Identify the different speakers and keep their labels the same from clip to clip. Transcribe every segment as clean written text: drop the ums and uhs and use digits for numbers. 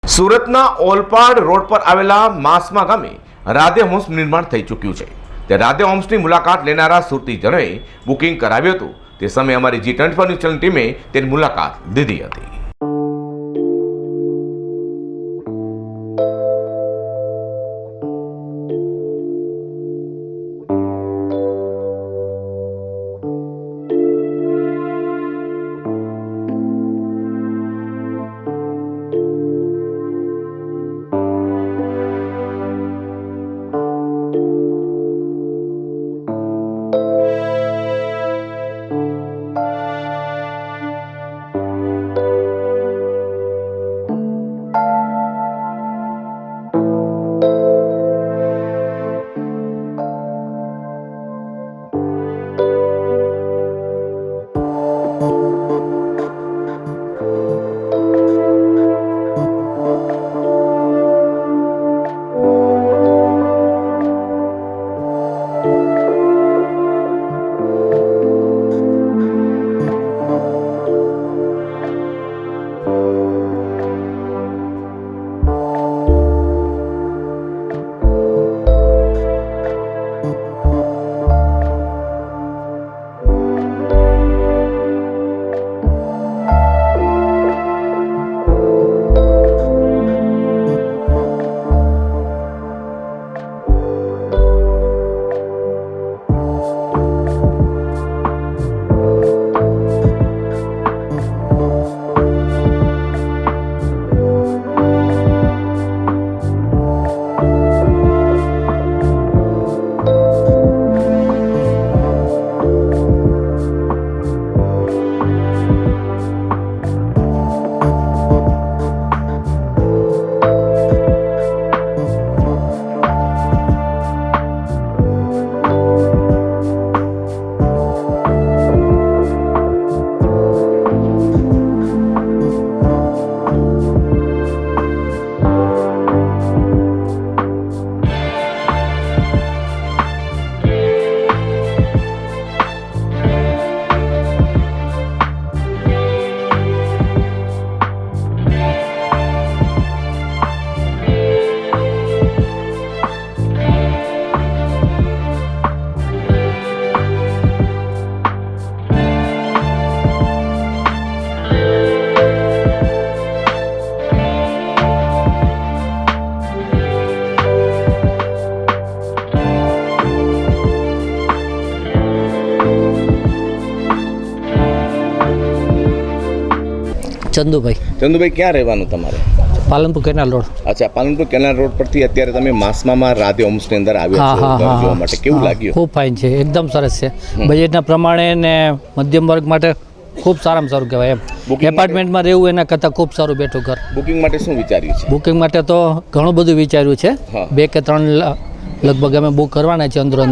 Speaker 1: સુરતના ઓલપાડ રોડ પર આવેલા માસમા ગામે રાધે હોમ્સ નિર્માણ થઈ ચૂક્યું છે। તે રાધે હોમ્સની મુલાકાત લેનારા સુરતીજનોએ બુકિંગ કરાવ્યું હતું। તે સમયે અમારી G24 ન્યૂઝ ચેનલ ટીમે તેની મુલાકાત લીધી હતી।
Speaker 2: ચંદુભાઈ ક્યાં રહેવાનું તમારે?
Speaker 3: Palanpur canal road.
Speaker 2: અચ્છા, પાલનપુર કેનાલ રોડ પરથી અત્યારે તમે માસમામાં રાધે હોમ્સની અંદર આવ્યા છો ઘર જોવા માટે। કેવું લાગ્યું?
Speaker 3: ખૂબ ફાઇન છે, એકદમ સરસ છે। બજેટના પ્રમાણે ને મધ્યમ વર્ગ માટે ખૂબ સારામાં સારું કહેવાય એમ। એપાર્ટમેન્ટમાં રહેવું એના કરતાં ખૂબ સારું બેઠું ઘર।
Speaker 2: બુકિંગ માટે શું વિચાર્યું છે?
Speaker 3: બુકિંગ માટે તો ઘણું બધું વિચાર્યું છે। 2 કે 3 લગભગ અમે બુક કરવાના છે અંદર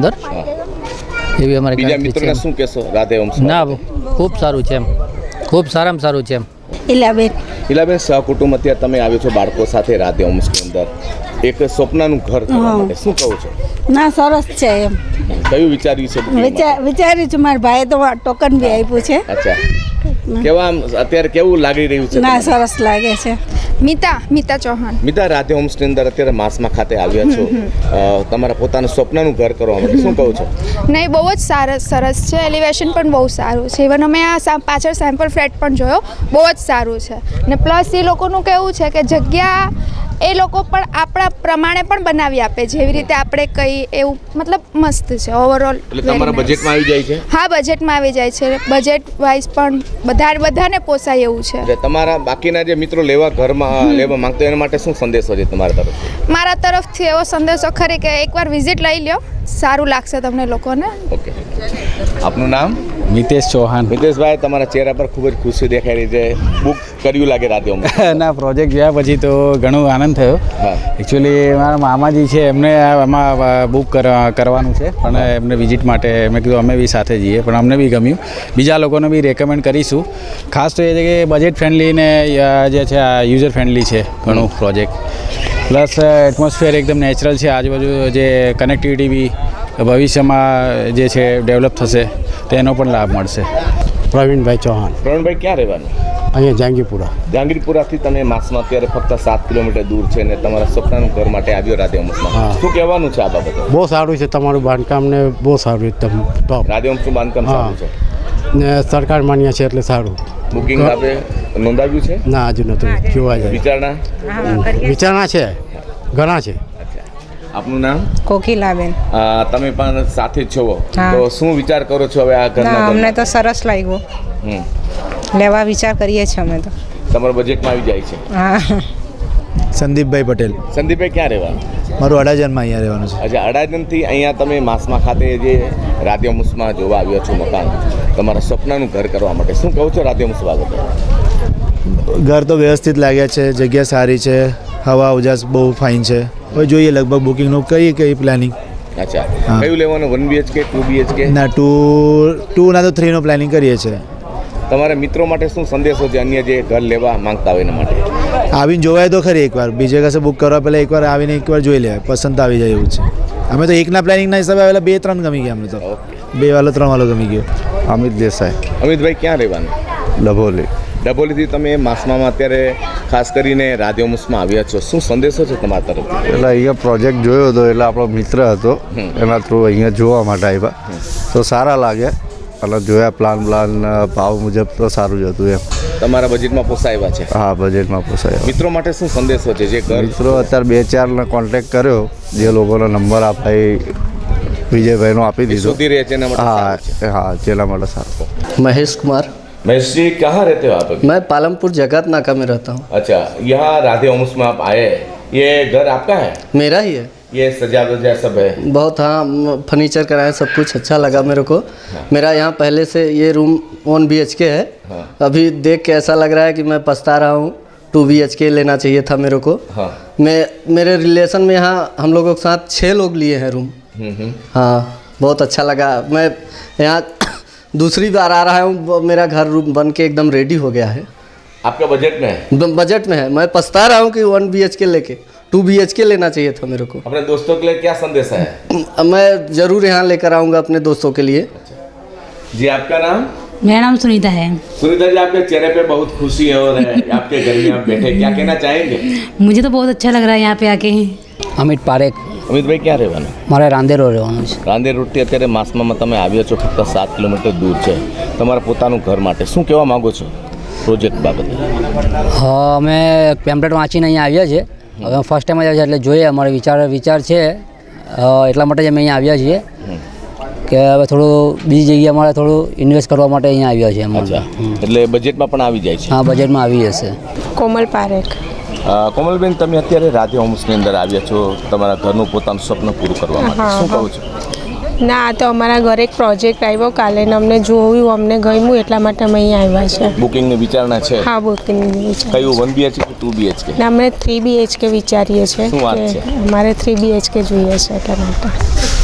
Speaker 3: એવી અમારી
Speaker 2: બીજા મિત્રોને શું કહેશો રાધે હોમ્સ?
Speaker 3: ના, ખૂબ સારું છે એમ, ખૂબ સારામાં સારું છે એમ।
Speaker 2: ઈલાબેન, સહકુટુંબ અત્યારે તમે આવ્યો છો બાળકો સાથે રાધે હોમ્સની અંદર એક સ્વપ્નનું ઘર કરવા માટે, શું કહો છો?
Speaker 4: ના, સરસ છે એમ।
Speaker 2: કયું વિચાર્યું છે?
Speaker 4: વિચાર્યું છે, મારા ભાઈએ તો ટોકન બી આપ્યું છે।
Speaker 2: અચ્છા, કેવા અત્યારે કેવું લાગી રહ્યું છે?
Speaker 4: ના, સરસ લાગે છે।
Speaker 5: મિતા ચૌહાણ।
Speaker 2: મિતા, રાધે હોમ્સની અંદર અત્યારે માસમા ખાતે આવ્યા છો તમારા પોતાનું સ્વપ્નનું ઘર કરવા માટે, શું કહો છો?
Speaker 5: નહીં, બહુ જ સરસ છે। એલિવેશન પણ બહુ સારું છે। ઇવન અમે આ પાછળ સેમ્પલ ફ્લેટ પણ જોયો, બહુ જ સારું છે। ને પ્લસ એ લોકોનું કહેવું છે કે જગ્યા એ લોકો પણ આપણા પ્રમાણે પણ બનાવી આપે, જેવી રીતે આપણે કઈ એવું, મતલબ મસ્ત છે ઓવરઓલ।
Speaker 2: એટલે તમારા બજેટમાં આવી જાય છે?
Speaker 5: હા, બજેટમાં આવી જાય છે। બજેટ વાઇઝ પણ બધાને પોસાય એવું છે।
Speaker 2: એટલે તમારા બાકીના જે મિત્રો લેવા માંગતો એના માટે શું સંદેશો છે તમારા તરફથી?
Speaker 5: મારા તરફથી એવો સંદેશો ખરી કે એકવાર વિઝિટ લઈ લ્યો, સારું લાગશે તમને લોકોને।
Speaker 2: ઓકે, આપનું નામ?
Speaker 6: મિતેશ ચૌહાણ।
Speaker 2: મિતેશભાઈ, તમારા ચહેરા પર ખૂબ જ ખુશી દેખાઈ રહી છે, બુક કર્યું લાગે રાધે હોમ્સ?
Speaker 6: ના, પ્રોજેક્ટ જોયા પછી તો ઘણો આનંદ થયો। એકચ્યુઅલી મારા મામાજી છે, એમને આમાં બુક કરવાનું છે, પણ એમને વિઝિટ માટે મેં કીધું અમે બી સાથે જઈએ, પણ અમને બી ગમ્યું। બીજા લોકોને બી રેકમેન્ડ કરીશું। ખાસ તો એ છે કે બજેટ ફ્રેન્ડલી ને જે છે આ યુઝર ફ્રેન્ડલી છે ઘણું પ્રોજેક્ટ, પ્લસ એટમોસ્ફિયર એકદમ નેચરલ છે। આજુબાજુ જે કનેક્ટિવિટી બી ભવિષ્યમાં જે છે ડેવલપ થશે તેનો પણ લાભ મળશે।
Speaker 7: પ્રવીણભાઈ ચૌહાણ।
Speaker 2: પ્રવીણભાઈ, ક્યાં રહેવાનું?
Speaker 7: અહીંયા જહાંગીરપુરા.
Speaker 2: જહાંગીરપુરાથી તમે માસમાં અત્યારે ફક્ત 7 કિલોમીટર દૂર છે ને તમારા સપનાનું ઘર માટે આવ્યો રાધે હોમ્સમાં.
Speaker 7: હા.
Speaker 2: શું કહેવાનું છે આ બાબતે?
Speaker 7: બહુ સારું છે તમારું બાંધકામ ને બહુ સારું એકદમ ટોપ.
Speaker 2: રાધે હોમ્સનું બાંધકામ સારું છે.
Speaker 7: ને સરકાર માન્ય છે એટલે સારું.
Speaker 2: બુકિંગ આપે નોંધાવ્યું છે?
Speaker 7: ના હજુ નથી જોવા જાય. વિચારણા છે ઘણા છે.
Speaker 2: આપનું નામ?
Speaker 8: કોકિલાબેન.
Speaker 2: તમે પણ સાથે જ છો
Speaker 8: હા.
Speaker 2: તો શું વિચાર કરો છો હવે આ ઘરના
Speaker 8: ના
Speaker 2: ઘરમાં?
Speaker 8: અમને તો સરસ લાગ્યું,
Speaker 2: હમ.
Speaker 8: લેવા વિચાર કરીએ છીએ અમે તો.
Speaker 2: તમારા બજેટમાં આવી જાય છે?
Speaker 8: હા.
Speaker 9: સંદીપભાઈ પટેલ.
Speaker 2: સંદીપભાઈ ક્યાં રહેવાનું?
Speaker 9: મારું અડાજણમાં અહીંયા રહેવાનું છે.
Speaker 2: અચ્છા, અડાજણથી અહીંયા તમે માસમા ખાતે જે રાધે હોમ્સમાં જોવા આવ્યો છો મકાન, તમારા સપનાનું ઘર કરવા માટે શું કહો છો રાધે હોમ્સ બાબતે?
Speaker 9: ઘર તો વ્યવસ્થિત લાગ્યા છે, જગ્યા સારી છે, હવા ઉજાસ બહુ ફાઇન છે. હવે જોઈએ લગભગ બુકિંગનું કઈ કઈ પ્લાનિંગ.
Speaker 2: અચ્છા,
Speaker 9: હા.
Speaker 2: કયું લેવાનું? 1 BHK 2 BHK?
Speaker 9: ના 2 ના તો 3 નો પ્લાનિંગ કરીએ છીએ.
Speaker 2: તમારા મિત્રો માટે શું સંદેશો છે અન્ય જે ઘર લેવા માંગતા હોય એના માટે?
Speaker 9: આવીને જોવાય તો ખરી એકવાર, બીજે કશે બુક કરવા પહેલાં એકવાર આવીને એકવાર જોઈ લેવાય, પસંદ તો આવી જાય એવું છે. અમે તો એકના પ્લાનિંગના હિસાબે આવેલા 2-3 ગમી ગયા. અમને તો 2 વાળો 3 વાળો ગમી ગયો.
Speaker 7: અમિત દેસાઈ,
Speaker 2: અમિતભાઈ ક્યાં રહેવાનું?
Speaker 7: ડભોલી.
Speaker 2: ડભોલીથી તમે માસમામાં અત્યારે ખાસ કરીને રાધે હોમ્સમાં આવ્યા છો, શું સંદેશો છે તમારા તરફથી?
Speaker 7: એટલે અહીંયા પ્રોજેક્ટ જોયો હતો એટલે આપણો મિત્ર હતો એના થ્રુ અહીંયા જોવા માટે આવ્યા તો સારા લાગ્યા અને જોયા પ્લાન ભાવ મુજબ તો સારું જ હતું એમ.
Speaker 2: તમારા બજેટમાં પોસાય છે?
Speaker 7: હા બજેટમાં પોસાય.
Speaker 2: મિત્રો માટે શું સંદેશો છે જે ઘર?
Speaker 7: મિત્રો અત્યારે 2-4 કોન્ટેક્ટ કર્યો, જે લોકોનો નંબર આપાઈ વિજયભાઈનો આપી દીધો.
Speaker 2: શોધી રહ્યા છે એના માટે સારું છે.
Speaker 7: હા જેના માટે સારું.
Speaker 10: महेश कुमार.
Speaker 2: महेश जी कहाँ रहते हो आप अभी?
Speaker 10: मैं पालमपुर जगत नाका में रहता हूँ.
Speaker 2: अच्छा, यहाँ राधे होम्स में आप आए, ये घर आपका है?
Speaker 10: मेरा ही है.
Speaker 2: ये सजा वजा सब है?
Speaker 10: बहुत, हाँ, फर्नीचर कराया, सब कुछ अच्छा लगा मेरे को. मेरा यहाँ पहले से ये रूम 1 BHK है. अभी देख के ऐसा लग रहा है कि मैं पछता रहा हूँ. 2 BHK लेना चाहिए था मेरे को. मेरे रिलेशन में यहाँ हम लोगों के साथ 6 लोग लिए हैं रूम. हाँ, बहुत अच्छा लगा. मैं यहाँ दूसरी बार आ रहा हूँ. मेरा घर रूम बन के एकदम रेडी हो गया है.
Speaker 2: आपका बजट में है?
Speaker 10: बजट में है. मैं पछता रहा हूँ कि 1 BHK लेके 2 BHK लेना चाहिए था मेरे को.
Speaker 2: अपने दोस्तों के लिए क्या संदेश है?
Speaker 10: मैं ज़रूर यहाँ लेकर आऊँगा अपने दोस्तों के लिए.
Speaker 2: जी आपका नाम?
Speaker 11: मेरा नाम सुनीता है.
Speaker 2: सुनीता जी, आपके चेहरे पे बहुत खुशी है और आपके घर में आप बैठे, क्या कहना चाहेंगे?
Speaker 11: मुझे तो बहुत अच्छा लग रहा है यहाँ पे आके.
Speaker 3: અમિત પારેખ.
Speaker 2: અમિતભાઈ ક્યાં રહેવાનું?
Speaker 3: મારે રાંદેરો રહેવાનું છે.
Speaker 2: રાંદેર રોડથી અત્યારે માસમાં તમે આવ્યા છો, ફક્ત 7 કિલોમીટર દૂર છે. તમારા પોતાનું ઘર માટે શું કહેવા માગો છો પ્રોજેક્ટ બાબતે?
Speaker 3: હા, અમે પેમ્પલેટ વાંચીને અહીંયા આવ્યા છે. હવે ફર્સ્ટ ટાઈમ આવ્યા છે એટલે જોઈએ અમારો વિચાર છે એટલા માટે જ અમે અહીંયા આવ્યા છીએ કે હવે થોડું બીજી જગ્યાએ અમારે થોડું ઇન્વેસ્ટ કરવા માટે અહીંયા આવ્યા છે.
Speaker 2: અચ્છા, એટલે બજેટમાં પણ આવી જાય છે?
Speaker 3: હા, બજેટમાં આવી જશે.
Speaker 8: કોમલ પારેખ.
Speaker 2: કોમલબેન, તમે અત્યારે રાધે હોમ્સની અંદર આવ્યા છો તમારા ઘરનું પોતાનું સ્વપ્ન પૂરું કરવા માટે, શું કહો છો?
Speaker 8: ના, આ તો અમારા ઘરે એક પ્રોજેક્ટ આવ્યો કાલે ને અમને જોયું, અમને ગમ્યું એટલા માટે અમે અહીંયા આવ્યા છે.
Speaker 2: બુકિંગની વિચારણા છે?
Speaker 8: હા, બુકિંગની વિચાર.
Speaker 2: કયું 1 BHK કે 2 BHK?
Speaker 8: ના, અમે 3 BHK વિચારીએ છીએ.
Speaker 2: શું વાત છે?
Speaker 8: અમારે 3 BHK જોઈએ છે એટલા માટે.